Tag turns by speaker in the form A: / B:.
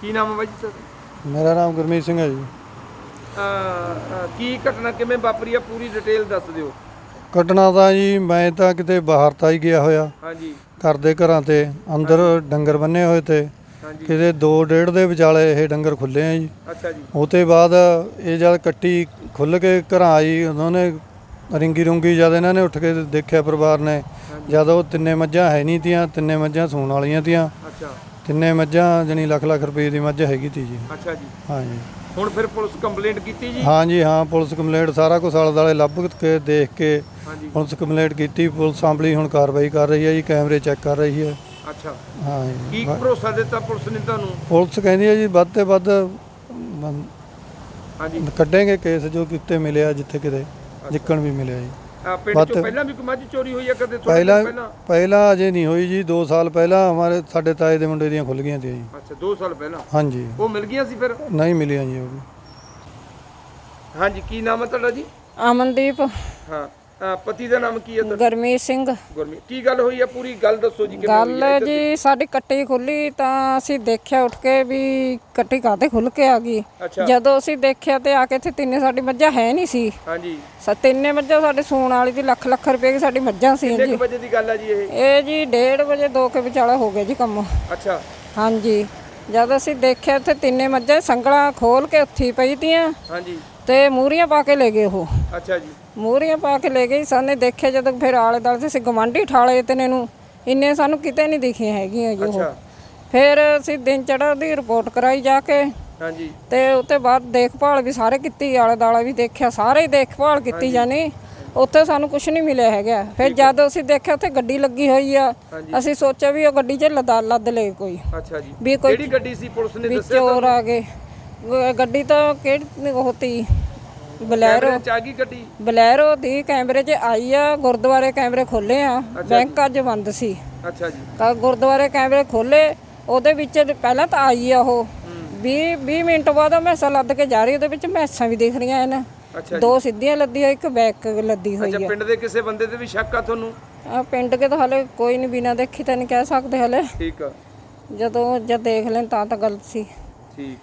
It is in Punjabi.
A: ਕੀ ਨਾਮ ਹੈ ਬਾਈ ਜੀ ਸਰ?
B: ਮੇਰਾ ਨਾਮ ਗੁਰਮੀਤ ਸਿੰਘ ਹੈ ਜੀ।
A: ਕੀ ਘਟਨਾ ਕਿਵੇਂ ਵਾਪਰੀ ਆ, ਪੂਰੀ ਡਿਟੇਲ ਦੱਸ ਦਿਓ।
B: ਘਟਨਾ ਤਾਂ ਜੀ ਮੈਂ ਤਾਂ ਕਿਤੇ ਬਾਹਰ ਤਾਂ ਹੀ ਗਿਆ ਹੋਇਆ,
A: ਹਾਂਜੀ
B: ਘਰ ਦੇ ਘਰਾਂ ਤੇ ਅੰਦਰ ਡੰਗਰ ਬੰਨੇ ਹੋਏ ਤੇ
A: ਹਾਂਜੀ।
B: ਕਿਤੇ 2:30 ਦੇ ਵਿਚਾਲੇ ਇਹ ਡੰਗਰ ਖੁੱਲੇ ਆ ਜੀ।
A: ਅੱਛਾ ਜੀ।
B: ਉਹ ਤੋਂ ਬਾਅਦ ਇਹ ਜਦ ਕੱਟੀ ਖੁੱਲ੍ਹ ਕੇ ਘਰਾਂ ਆਈ, ਉਹਨਾਂ ਨੇ ਰਿੰਗੀ ਰੁੰਗੀ ਜਦ ਇਹਨਾਂ ਨੇ ਉੱਠ ਕੇ ਦੇਖਿਆ ਪਰਿਵਾਰ ਨੇ, ਜਦ ਉਹ ਤਿੰਨੇ ਮੱਝਾਂ ਹੈ ਨਹੀਂ ਤੀਆਂ, ਤਿੰਨੇ ਮੱਝਾਂ ਸੂਣ ਵਾਲੀਆਂ ਤੀਆਂ।
A: ਅੱਛਾ।
B: ਤਿੰਨੇ ਮੱਝਾਂ ਜਾਣੀ ਲੱਖ ਰੁਪਏ ਦੀ ਮੱਝ ਹੈਗੀ ਤੀ ਜੀ।
A: ਅੱਛਾ ਜੀ।
B: ਹਾਂਜੀ।
A: ਹੁਣ ਫਿਰ ਪੁਲਿਸ ਕੰਪਲੇਂਟ ਕੀਤੀ ਜੀ?
B: ਹਾਂਜੀ ਹਾਂ, ਪੁਲਿਸ ਕੰਪਲੇਂਟ ਸਾਰਾ ਕੁਛ ਆਲੇ ਦੁਆਲੇ ਲੱਭ ਕੇ ਦੇਖ ਕੇ
A: ਹਾਂਜੀ।
B: ਪੁਲਿਸ ਕੰਪਲੇਂਟ ਕੀਤੀ। ਪੁਲਿਸ ਆਂਬਲੀ ਹੁਣ ਕਾਰਵਾਈ ਕਰ ਰਹੀ ਹੈ ਜੀ, ਕੈਮਰੇ ਚੈੱਕ ਕਰ ਰਹੀ ਹੈ।
A: ਅੱਛਾ।
B: ਹਾਂ ਜੀ।
A: ਕੀ ਭਰੋਸਾ ਦਿੱਤਾ ਪੁਲਿਸ ਨੇ ਤੁਹਾਨੂੰ?
B: ਪੁਲਿਸ ਕਹਿੰਦੀ ਹੈ ਜੀ ਵੱਧ ਤੇ ਵੱਧ
A: ਹਾਂਜੀ
B: ਕੱਢेंगे ਕੇਸ ਜੋ ਕਿਤੇ ਮਿਲਿਆ, ਜਿੱਥੇ ਕਿਤੇ ਜਿੱਕਣ ਵੀ ਮਿਲਿਆ ਜੀ।
A: ਪਿੰਡ ਚੋਂ ਪਹਿਲਾਂ ਵੀ ਕੋਈ ਮੱਝ ਚੋਰੀ ਹੋਈ ਆ ਕਦੇ?
B: ਪਹਿਲਾਂ ਅਜੇ ਨਹੀਂ ਹੋਈ ਜੀ। 2 ਸਾਲ ਪਹਿਲਾਂ ਸਾਡੇ ਤਾਏ ਦੇ ਮੁੰਡੇ ਦੀਆਂ ਖੁੱਲ ਗਈਆਂ ਸੀ ਜੀ।
A: ਅੱਛਾ, 2 ਸਾਲ ਪਹਿਲਾਂ?
B: ਹਾਂਜੀ।
A: ਉਹ ਮਿਲ ਗਈਆਂ ਸੀ ਫਿਰ?
B: ਨਹੀਂ ਮਿਲੀਆਂ ਜੀ ਉਹ ਵੀ।
A: ਹਾਂਜੀ, ਕੀ ਨਾਮ ਹੈ ਤੁਹਾਡਾ ਜੀ?
C: ਅਮਨਦੀਪ।
A: ਹਾਂ, ਪਤੀ ਦਾ ਨਾਮ ਕੀ ਹੈ ਤੁਹਾਡਾ?
C: ਗੁਰਮੀਤ ਸਿੰਘ।
A: ਗੁਰਮੀਤ। ਕੀ ਗੱਲ ਹੋਈ ਆ, ਪੂਰੀ ਗੱਲ ਦੱਸੋ ਜੀ।
C: ਗੱਲ ਜੀ ਸਾਡੀ ਕੱਟੀ ਖੁੱਲੀ ਤਾਂ ਅਸੀਂ ਦੇਖਿਆ ਉੱਠ ਕੇ ਵੀ ਕੱਟੀ ਕਾਹਤੇ ਖੁੱਲ ਕੇ ਆ ਗਈ। ਜਦੋਂ ਅਸੀਂ ਦੇਖਿਆ ਤੇ ਆ ਕੇ ਇੱਥੇ ਤਿੰਨੇ ਸਾਡੀ ਮੱਝਾਂ ਹੈ ਨਹੀਂ ਸੀ।
A: ਹਾਂਜੀ।
C: ਤਿੰਨੇ ਮੱਝਾਂ ਸਾਡੇ ਸੂਣ ਵਾਲੀ ਦੀ ਲੱਖ ਰੁਪਏ ਦੀ ਸਾਡੀ ਮੱਝਾਂ ਸੀ ਜੀ।
A: ਕਿੰਨੇ ਵਜੇ ਦੀ ਗੱਲ ਆ ਜੀ ਇਹ?
C: ਇਹ ਜੀ 1:30 ਵਜੇ 2 ਕੇ ਵਿਚਾਲਾ ਹੋ ਗਿਆ ਜੀ ਕੰਮ।
A: ਅੱਛਾ।
C: ਹਾਂਜੀ। ਜਦ ਅਸੀਂ ਦੇਖਿਆ ਇੱਥੇ ਤਿੰਨੇ ਮੱਝਾਂ ਸੰਗਲਾਂ ਖੋਲ ਕੇ ਉੱਥੀ ਪਈ ਤੀਆਂ।
A: ਹਾਂਜੀ।
C: ਤੇ ਮੂਹਰੀਆਂ ਪਾ ਕੇ ਲੈ ਗਏ ਉਹ।
A: ਅੱਛਾ ਜੀ।
C: ਮੂਹਰੀਆਂ ਪਾ ਕੇ ਲੈ ਗਏ। ਸਾਨੇ ਦੇਖਿਆ ਜਦੋਂ ਫਿਰ ਆਲੇ ਦੁਆਲੇ ਅਸੀਂ ਗਵਾਂਢੀ ਠਾਲੇ ਤੇ ਨੂੰ ਇੰਨੇ ਸਾਨੂੰ ਕਿਤੇ ਨਹੀਂ ਦਿਖੀਆਂ ਹੈਗੀਆਂ ਜੀ ਉਹ। ਫਿਰ ਅਸੀਂ ਦਿਨ ਚੜਾ ਦੀ ਰਿਪੋਰਟ ਕਰਾਈ ਜਾ ਕੇ।
A: ਹਾਂਜੀ।
C: ਤੇ ਉੱਤੇ ਬਾਅਦ ਦੇਖਭਾਲ ਵੀ ਸਾਰੇ ਕੀਤੀ, ਆਲੇ ਦੁਆਲੇ ਵੀ ਦੇਖਿਆ, ਸਾਰੇ ਹੀ ਦੇਖਭਾਲ ਕੀਤੀ ਜਾਨੀ। ਉੱਥੇ ਸਾਨੂੰ ਕੁਝ ਨਹੀਂ ਮਿਲਿਆ ਹੈਗਾ। ਫਿਰ ਜਦ ਅਸੀਂ ਦੇਖਿਆ ਉੱਥੇ ਗੱਡੀ ਲੱਗੀ ਹੋਈ ਆ, ਅਸੀਂ ਸੋਚਿਆ ਵੀ ਉਹ ਗੱਡੀ 'ਚ ਲੱਦ ਲੈ ਕੋਈ।
A: ਅੱਛਾ ਜੀ।
C: ਵੀ ਕੋਈ
A: ਕਿਹੜੀ ਗੱਡੀ ਸੀ ਪੁਲਿਸ ਨੇ ਦੱਸਿਆ?
C: ਚੋਰ ਆ ਗਏ। ਗੱਡੀ ਤਾਂ ਕਿਹੜੀ ਹੋਤੀ ਬਲੈਰੋ।
A: ਗੱਡੀ
C: ਬਲੈਰੋ ਦੀ ਕੈਮਰੇ 'ਚ ਆਈ ਆ। ਗੁਰਦੁਆਰੇ ਕੈਮਰੇ ਖੋਲੇ ਆ, ਬੈਂਕ ਅੱਜ ਬੰਦ ਸੀ।
A: ਅੱਛਾ ਜੀ।
C: ਤਾਂ ਗੁਰਦੁਆਰੇ ਕੈਮਰੇ ਖੋਲੇ, ਉਹਦੇ ਵਿੱਚ ਪਹਿਲਾਂ ਤਾਂ ਆਈ ਆ ਉਹ 20 ਮਿੰਟ ਬਾਅਦ ਮੈਸਾਂ ਲੱਦ ਕੇ ਜਾ ਰਹੀ, ਉਹਦੇ ਵਿੱਚ ਮੈਸਾਂ ਵੀ ਦਿਖ ਰਹੀਆਂ ਹਨ। 2 ਸਿੱਧੀਆਂ ਲੱਦੀ ਹੋਈ, 1 ਬੈਕ ਲੱਦੀ ਹੋਈ
A: ਆ। ਪਿੰਡ ਦੇ ਕਿਸੇ ਬੰਦੇ ਤੇ ਵੀ ਸ਼ੱਕ ਆ ਤੁਹਾਨੂੰ?
C: ਪਿੰਡ ਕੇ ਤਾਂ ਹਲੇ ਕੋਈ ਨਹੀਂ, ਬਿਨਾਂ ਦੇਖੀ ਤਾਂ ਨਹੀਂ ਕਹਿ ਸਕਦੇ ਹਲੇ।
A: ਠੀਕ ਆ।
C: ਜਦੋਂ ਜਦ ਦੇਖ ਲੈਣ ਤਾਂ ਗਲਤ ਸੀ।
A: ਠੀਕ।